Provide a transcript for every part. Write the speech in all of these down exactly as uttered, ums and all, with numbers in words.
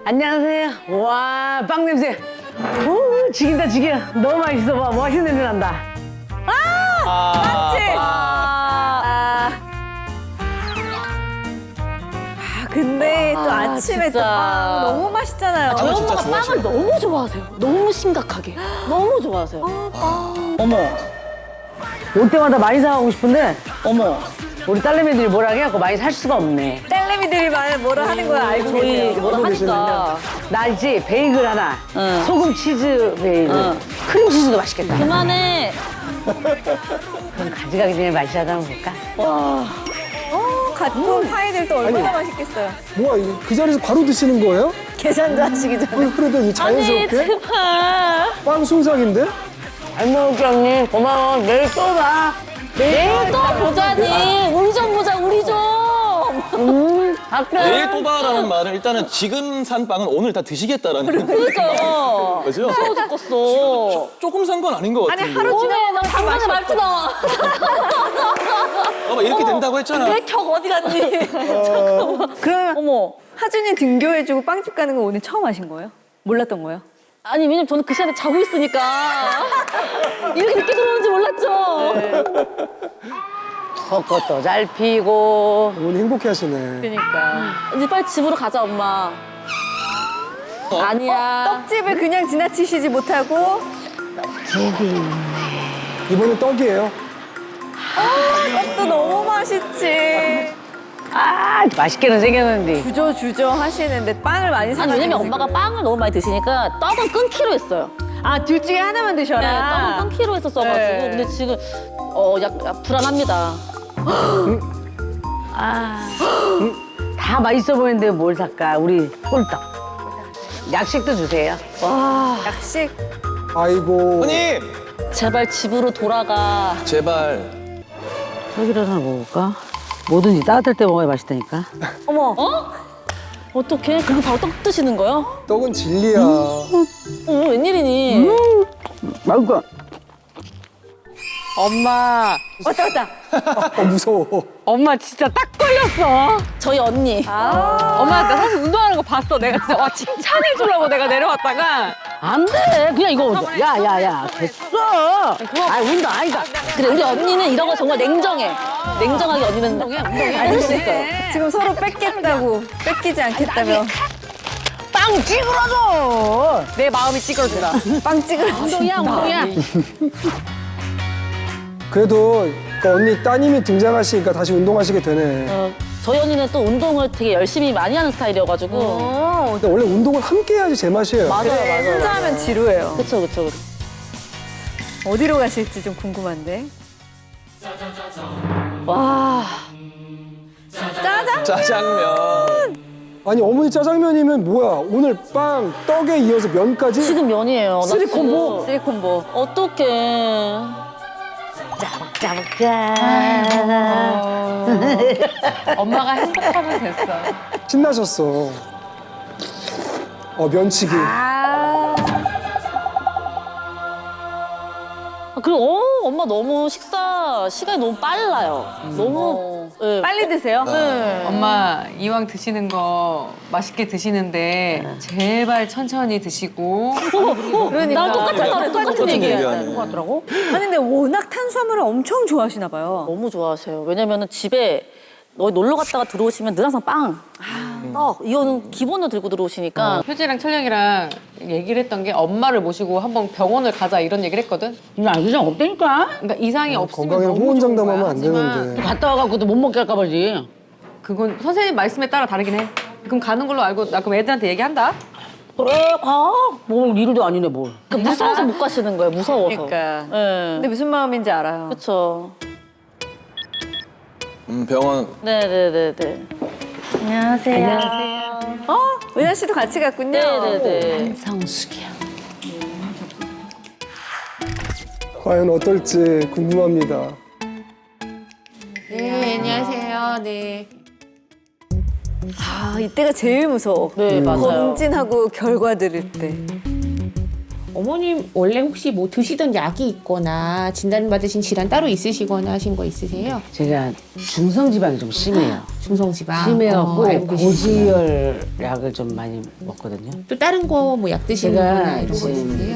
안녕하세요. 와, 빵 냄새. 오, 죽인다, 죽여. 너무 맛있어. 봐. 멋있는 냄새 난다. 맞지? 아, 아. 아, 근데 또 아, 아침에 또 진짜. 빵 너무 맛있잖아요. 저희 진짜 엄마가 빵을 좋아하시네. 너무 좋아하세요. 너무 심각하게. 너무 좋아하세요. 어머, 올 때마다 많이 사가고 싶은데 어머. 우리 딸내미들이 뭐라 해갖고 많이 살 수가 없네. 딸내미들이 말 뭐라 하는 걸 알고 저희 계세요. 뭐라 하니까. 나 있지? 베이글 하나, 응. 소금 치즈 베이글, 응. 크림 치즈도 맛있겠다. 그만해. 그럼 가져가기 전에 맛이라도 한번 볼까? 와. 어, 갓구운 파이들도 얼마나 맛있겠어요. 뭐야, 이거 그 자리에서 바로 드시는 거예요? 계산도 하시기 전에. 어, 그래도 이 아니, 자연스럽게? 제발. 빵 순삭인데? 잘 먹을게, 언니. 고마워. 내일 또 봐. 내일 또 보자니. 우리 좀 보자, 우리 좀. 음, 갈게. 네. 내일 또 봐라는 말은 일단은 지금 산 빵은 오늘 다 드시겠다라는 그러니까. 거죠? 서워 죽겠어. 조금 산 건 아닌 것 같은데. 아니, 하루 오늘 나 당근에 말투 나와. 봐봐, 이렇게 된다고 했잖아. 내 격 어디 갔니? 그러면 어머. 하준이 등교해주고 빵집 가는 거 오늘 처음 하신 거예요? 몰랐던 거예요? 아니, 왜냐면 저는 그 시간에 자고 있으니까. 이렇게 늦게 들어오는지 몰랐죠. 벚꽃도 잘 피고. 어머니 행복해 하시네. 그러니까. 이제 빨리 집으로 가자, 엄마. 아니야. 떡집을 그냥 지나치시지 못하고 이번엔 떡이에요. 떡도 너무 맛있지. 아, 맛있게는 생겼는데. 주저 주저 하시는데 빵을 많이 아니, 사가지고 왜냐면 엄마가 지금. 빵을 너무 많이 드시니까 떡은 끊기로 했어요. 아, 둘 중에 하나만 드셔라. 네, 떡은 끊기로 했었어가지고. 네. 근데 지금, 어, 약, 약 불안합니다. 아, 다 맛있어 보이는데 뭘 살까? 우리 홀떡. 약식도 주세요. 와, 약식. 아이고. 어머님! 제발 집으로 돌아가. 제발. 떡이라도 하나 먹을까? 뭐든지 따뜻할 때 먹어야 맛있다니까. 어머. 어? 어떡해? 그거 바로 떡 드시는 거요? 떡은 진리야. 어, 웬일이니? 맛있어. 엄마, 왔다 왔다. 어, 무서워. 엄마 진짜 딱 걸렸어. 저희 언니. 아. 엄마 나 사실 운동하는 거 봤어. 내가 진짜 와 칭찬해 주려고 내가 내려왔다가 안 돼. 그냥 이거. 야, 야, 야. 됐어. 아, 운동 아니다. 그래, 우리 언니는 이런 거 정말 냉정해. 냉정하게 언니는 운동해, 운동해. 할 수 있어요. 지금 서로 뺏겠다고 뺏기지 않겠다며 빵 찌그러져. 내 마음이 찌그러진다. 빵 찍으러 운동이야, 운동이야. 그래도 그 언니 따님이 등장하시니까 다시 운동하시게 되네. 어, 저희 언니는 또 운동을 되게 열심히 많이 하는 스타일이어가지고. 어, 근데 원래 운동을 함께 해야지 제맛이에요. 맞아요, 맞아요. 혼자 하면 지루해요. 그쵸, 그쵸, 그쵸. 어디로 가실지 좀 궁금한데. 와. 짜장? 짜장면. 아니 어머니 짜장면이면 뭐야? 오늘 빵, 떡에 이어서 면까지? 지금 면이에요. 나 쓰리 지금. 콤보? 쓰리 콤보. 어떡해. 짜먹자. 엄마가 행복하면 됐어. 신나셨어. 어 면치기. 아. 아, 그리고 어, 엄마 너무 식사 시간이 너무 빨라요. 너무 네. 빨리 드세요? 네. 엄마 이왕 드시는 거 맛있게 드시는데 제발 천천히 드시고. 그러니까. 나 똑같은 말에 똑같은 얘기야. 얘기하네. 같더라고. 아니 근데 워낙 탄수화물을 엄청 좋아하시나 봐요. 너무 좋아하세요. 왜냐면은 집에 너 놀러 갔다가 들어오시면 늘 항상 빵, 떡 이거는 기본으로 들고 들어오시니까 효지랑 철령이랑 얘기를 했던 게 엄마를 모시고 한번 병원을 가자 이런 얘기를 했거든. 야, 이상 없다니까. 그러니까 이상이 없으면 건강에 너무 좋은 호언장담하면 거야. 안 하지만 되는데. 갔다 와갖고도 못 먹게 할까 봐지. 그건 선생님 말씀에 따라 다르긴 해. 그럼 가는 걸로 알고 나 그럼 애들한테 얘기한다. 그래, 가. 뭐 일도 아니네, 뭘. 그 무서워서 못 가시는 거예요. 무서워서. 그러니까. 네. 근데 무슨 마음인지 알아요. 그렇죠. 음, 병원. 네네네네. 안녕하세요. 어? 은하 씨도 같이 갔군요. 네네네. 성숙이야. 과연 어떨지 궁금합니다. 네, 안녕하세요. 네. 아, 이때가 제일 무서워. 네 맞아요. 검진하고 결과 들을 때. 어머님 원래 혹시 뭐 드시던 약이 있거나 진단받으신 질환 따로 있으시거나 하신 거 있으세요? 제가 중성지방이 좀 심해요. 중성지방. 심해갖고 어, 알고 계시구나. 고지혈 약을 좀 많이 먹거든요. 또 다른 거 뭐 약 드시는 제가 거나 이런 거 지금 있으세요?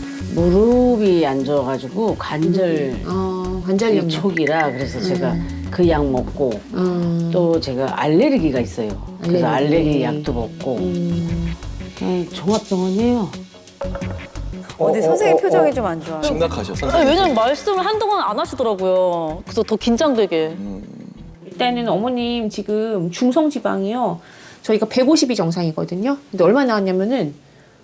무릎이 안 좋아가지고 관절 어, 관절염. 촉이라 그래서 제가 그 약 먹고 음. 또 제가 알레르기가 있어요. 그래서 알레르기. 알레르기 약도 먹고 음. 그냥 종합병원이에요. 어, 근데 선생님 표정이 좀 안 좋아요. 심각하셔, 아니, 선생님. 왜냐면 말씀을 한동안 안 하시더라고요. 그래서 더 긴장되게. 일단은 어머님 지금 중성지방이요. 저희가 백오십이 정상이거든요. 근데 얼마 나왔냐면은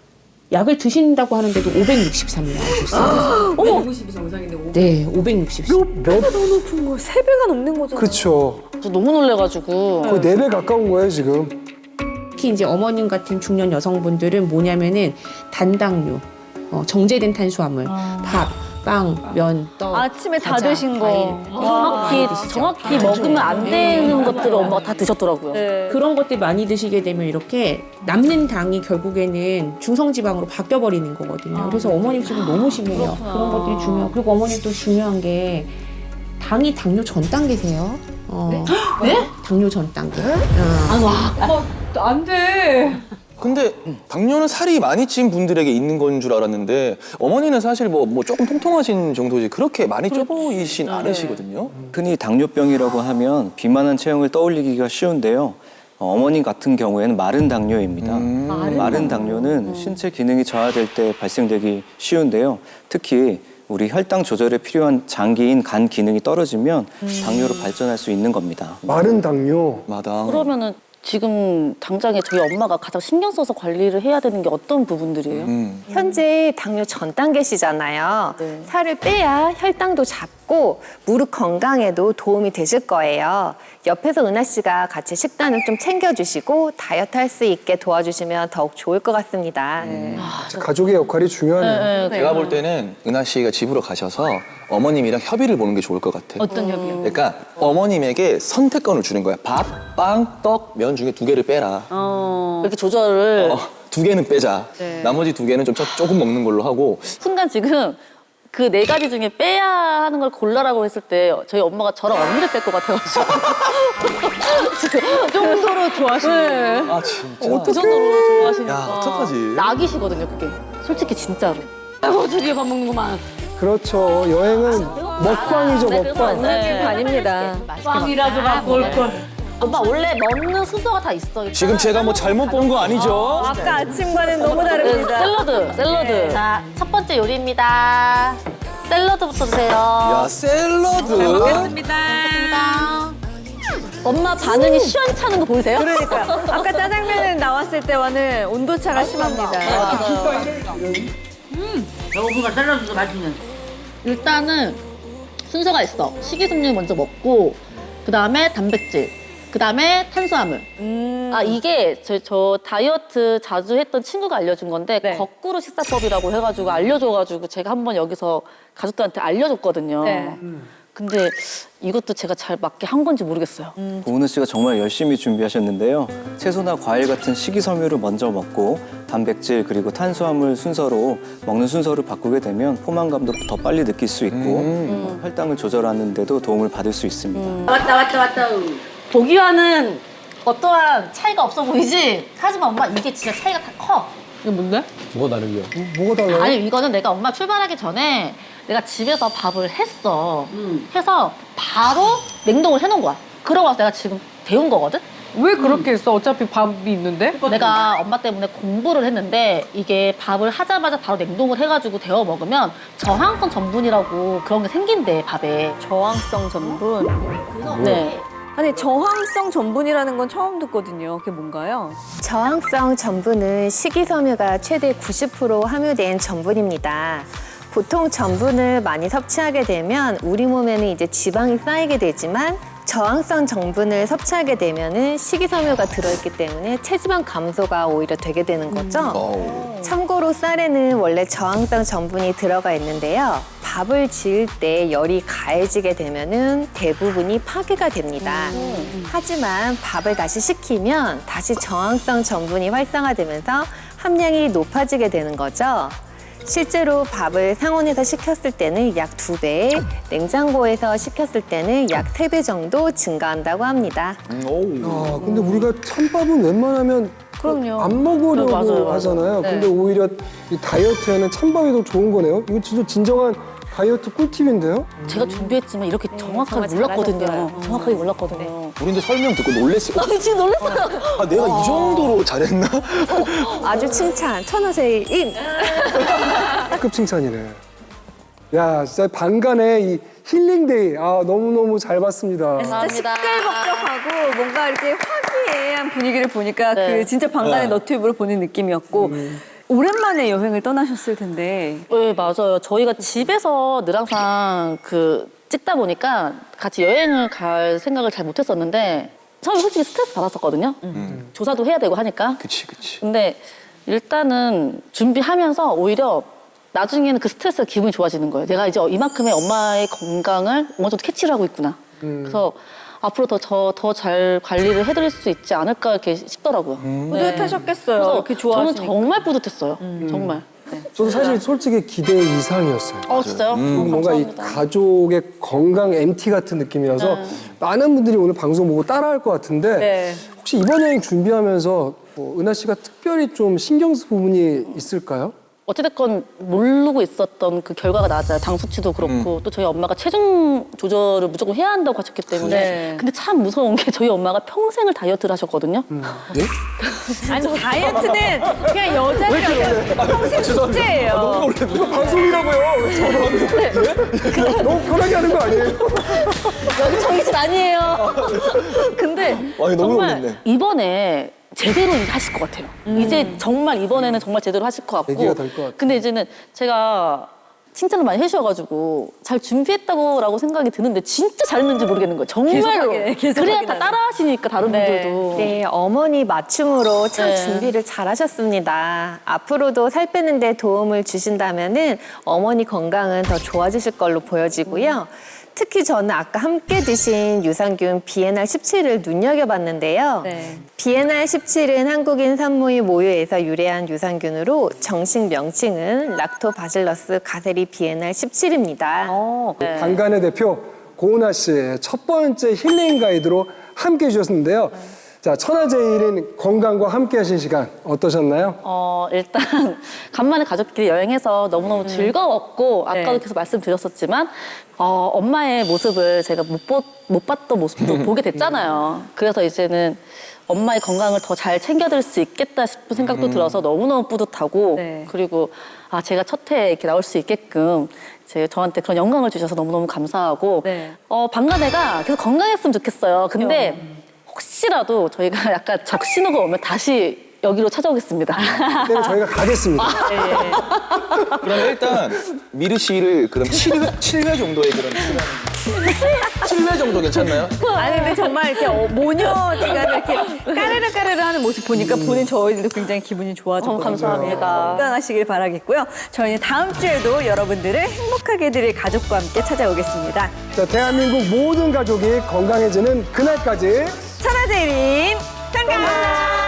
약을 드신다고 하는데도 오백육십삼이 나오셨어요. 백오십이 정상인데 오. 네, 오백육십삼. 몇 배가 더 높은 거야? 세 배가 넘는 거잖아. 그렇죠. 저 너무 놀래가지고. 거의 네 배 가까운 거예요 지금. 특히 이제 어머님 같은 중년 여성분들은 뭐냐면은 단당류, 어, 정제된 탄수화물, 밥, 빵, 면, 떡, 아침에 다 과자, 드신 거. 과일. 정확히, 정확히 먹으면 안 되는 것들을 엄마가 다 드셨더라고요. 네. 그런 것들 많이 드시게 되면 이렇게 남는 당이 결국에는 중성지방으로 바뀌어 버리는 거거든요. 그래서 어머님 지금 너무 심해요. 그런 것들이 중요. 그리고 어머님 또 중요한 게 당이 당뇨 전 단계세요. 어, 네? 당뇨 전 단계. 어. 안 돼. 근데 당뇨는 살이 많이 찐 분들에게 있는 건 줄 알았는데 어머니는 사실 뭐, 뭐 조금 통통하신 정도지 그렇게 많이 쪄 보이진 않으시거든요. 흔히 당뇨병이라고 하면 비만한 체형을 떠올리기가 쉬운데요. 어, 어머님 같은 경우에는 마른 당뇨입니다. 음. 마른 당뇨는 신체 기능이 저하될 때 발생되기 쉬운데요. 특히 우리 혈당 조절에 필요한 장기인 간 기능이 떨어지면 당뇨로 발전할 수 있는 겁니다. 마른 당뇨. 마당. 그러면은 지금 당장에 저희 엄마가 가장 신경 써서 관리를 해야 되는 게 어떤 부분들이에요? 음. 현재 당뇨 전 단계시잖아요. 네. 살을 빼야 혈당도 잡고 무릎 건강에도 도움이 되실 거예요. 옆에서 은하 씨가 같이 식단을 좀 챙겨주시고 다이어트 할 수 있게 도와주시면 더욱 좋을 것 같습니다. 가족의 역할이 중요하네요. 제가 볼 때는 은하 씨가 집으로 가셔서 어머님이랑 협의를 보는 게 좋을 것 같아. 어떤 협의요? 그러니까 어머님에게 선택권을 주는 거야. 밥, 빵, 떡, 면 중에 두 개를 빼라. 이렇게 조절을 어, 두 개는 빼자. 나머지 두 개는 좀 조- 조금 먹는 걸로 하고. 순간 지금 그 네 가지 중에 빼야 하는 걸 골라라고 했을 때 저희 엄마가 저랑 언니를 뺄 것 같아가지고 좀 서로 좋아하시는 아 진짜? 그 정도로 좋아하시니까 야, 어떡하지? 낙이시거든요 그게 솔직히 진짜로. 아이고 드디어 밥 먹는구만. 그렇죠. 여행은 먹방이죠 먹방. 네. 아닙니다. 빵이라도 갖고 올 걸. 엄마 원래 먹는 순서가 다 있어. 지금 제가 뭐 잘못 본 거 아니죠? 아까 아침과는 너무 다릅니다. 샐러드, 샐러드. 자, 첫 번째 요리입니다. 샐러드부터 드세요. 야 샐러드. 먹겠습니다. 엄마 반응이 시원찮은 거 보이세요? 그러니까요. 아까 짜장면은 나왔을 때와는 온도차가 심합니다. 배고프가 샐러드도 맛있는. 일단은 순서가 있어. 식이섬유 먼저 먹고, 그 다음에 단백질, 그 다음에 탄수화물. 아 이게 저, 저 다이어트 자주 했던 친구가 알려준 건데 네. 거꾸로 식사법이라고 해가지고 알려줘가지고 제가 한번 여기서 가족들한테 알려줬거든요. 네. 근데 이것도 제가 잘 맞게 한 건지 모르겠어요. 고은우 씨가 정말 열심히 준비하셨는데요. 채소나 과일 같은 식이섬유를 먼저 먹고 단백질 그리고 탄수화물 순서로 먹는 순서를 바꾸게 되면 포만감도 더 빨리 느낄 수 있고 어, 혈당을 조절하는 데도 도움을 받을 수 있습니다. 왔다 왔다 왔다. 보기와는 어떠한 차이가 없어 보이지? 하지만 엄마 이게 진짜 차이가 다 커. 이게 뭔데? 뭐가 달라요? 아니 이거는 내가 엄마 출발하기 전에 내가 집에서 밥을 했어. 해서 바로 냉동을 해놓은 거야. 그러고 와서 내가 지금 데운 거거든? 왜 그렇게 했어? 어차피 밥이 있는데? 내가 엄마 때문에 공부를 했는데 이게 밥을 하자마자 바로 냉동을 해가지고 데워 먹으면 저항성 전분이라고 그런 게 생긴대 밥에. 저항성 전분. 네. 아니 저항성 전분이라는 건 처음 듣거든요. 그게 뭔가요? 저항성 전분은 식이섬유가 최대 구십 퍼센트 함유된 전분입니다. 보통 전분을 많이 섭취하게 되면 우리 몸에는 이제 지방이 쌓이게 되지만 저항성 전분을 섭취하게 되면은 식이섬유가 들어있기 때문에 체지방 감소가 오히려 되게 되는 거죠. 어우. 참고로 쌀에는 원래 저항성 전분이 들어가 있는데요. 밥을 지을 때 열이 가해지게 되면은 대부분이 파괴가 됩니다. 하지만 밥을 다시 식히면 다시 저항성 전분이 활성화되면서 함량이 높아지게 되는 거죠. 실제로 밥을 상온에서 식혔을 때는 약 두 배, 냉장고에서 식혔을 때는 약 세 배 정도 증가한다고 합니다. 아, 근데 우리가 찬밥은 웬만하면 그럼요. 안 먹으려고 네, 맞아요, 맞아요. 하잖아요. 네. 근데 오히려 이 다이어트에는 찬밥이 더 좋은 거네요. 이거 진짜 진정한 다이어트 꿀팁인데요? 제가 준비했지만 이렇게 정확하게 정말 몰랐거든요. 잘하셨어요. 정확하게 몰랐거든요. 우리도 설명 듣고 놀랬어. 아니, 지금 놀랐어요. 아, 내가 이 정도로 잘했나? 아주 칭찬, 천하제일 인! 급 칭찬이네. 야, 진짜 반간의 이 힐링데이. 아, 너무너무 잘 봤습니다. 진짜 감사합니다. 시끌벅적하고 뭔가 이렇게 화기애애한 분위기를 보니까 네. 그 진짜 방간의 네. 너튜브를 보는 느낌이었고 오랜만에 여행을 떠나셨을 텐데 네, 맞아요. 저희가 집에서 늘 항상 그 찍다 보니까 같이 여행을 갈 생각을 잘 못했었는데 처음에 솔직히 스트레스 받았었거든요. 조사도 해야 되고 하니까. 그치, 그치. 근데 일단은 준비하면서 오히려 나중에는 그 스트레스가 기분이 좋아지는 거예요. 내가 이제 이만큼의 엄마의 건강을 어느 정도 캐치를 하고 있구나. 그래서 앞으로 더 저 더 잘 관리를 해드릴 수 있지 않을까 이렇게 싶더라고요. 뿌듯하셨겠어요. 그래서 이렇게 저는 좋아하시니까. 정말 뿌듯했어요. 정말. 네. 저도 사실 솔직히 기대 이상이었어요. 어 진짜요? 그리고 뭔가 이 감사합니다. 가족의 건강 엠티 같은 느낌이라서 많은 분들이 오늘 방송 보고 따라할 것 같은데 네. 혹시 이번 여행 준비하면서 뭐 은하 씨가 특별히 좀 신경 쓸 부분이 있을까요? 어찌됐건 모르고 있었던 그 결과가 나왔잖아요. 당 수치도 그렇고 또 저희 엄마가 체중 조절을 무조건 해야 한다고 하셨기 때문에 네. 근데 참 무서운 게 저희 엄마가 평생을 다이어트를 하셨거든요. 네? 아니 다이어트는 그냥 여자들은 평생 숙제예요. 이거 방송이라고요. 너무 편하게 하는 거 아니에요? 여기 저희 집 아니에요. 근데 아니, 너무 정말 놀랐네. 이번에 제대로 이제 하실 것 같아요. 이제 정말 이번에는 정말 제대로 하실 것 같고. 얘기가 될것 같아요. 근데 이제는 제가 칭찬을 많이 해주셔가지고 잘 준비했다고라고 생각이 드는데 진짜 잘했는지 모르겠는 거예요. 정말로. 계속 하게, 계속 그래야 하게 다 나요. 따라하시니까 다른 네. 분들도. 네, 어머니 맞춤으로 참 네. 준비를 잘하셨습니다. 앞으로도 살 빼는 데 도움을 주신다면은 어머니 건강은 더 좋아지실 걸로 보여지고요. 특히 저는 아까 함께 드신 유산균 비엔알 십칠을 눈여겨봤는데요. 네. 비엔알 십칠은 한국인 산모의 모유에서 유래한 유산균으로 정식 명칭은 락토바실러스 가세리 비엔알 십칠입니다. 어, 네. 방간의 대표 고은하 씨의 첫 번째 힐링 가이드로 함께 해주셨는데요. 자, 천하제일인 건강과 함께 하신 시간 어떠셨나요? 어, 일단 간만에 가족끼리 여행해서 너무너무 즐거웠고 네. 아까도 계속 말씀드렸었지만 어, 엄마의 모습을 제가 못, 보, 못 봤던 모습도 보게 됐잖아요. 그래서 이제는 엄마의 건강을 더 잘 챙겨드릴 수 있겠다 싶은 생각도 들어서 너무너무 뿌듯하고 네. 그리고 아 제가 첫 해에 이렇게 나올 수 있게끔 제 저한테 그런 영광을 주셔서 너무너무 감사하고 네. 어, 방간애가 계속 건강했으면 좋겠어요. 근데 혹시라도 저희가 약간 적신호가 오면 다시 여기로 찾아오겠습니다. 그때는 저희가 가겠습니다. 그러면 일단 미르 씨를 그럼 칠 회, 칠 회 정도의 그런 칠 회 정도 괜찮나요? 아니 근데 정말 이렇게 어, 모녀지간 이렇게 까르르 까르르 하는 모습 보니까 보는 저희들도 굉장히 기분이 좋아졌거든요. 어, 감사합니다. 건강하시길 바라겠고요. 저희는 다음 주에도 여러분들을 행복하게 해드릴 가족과 함께 찾아오겠습니다. 자, 대한민국 모든 가족이 건강해지는 그날까지 천하제일인 건강!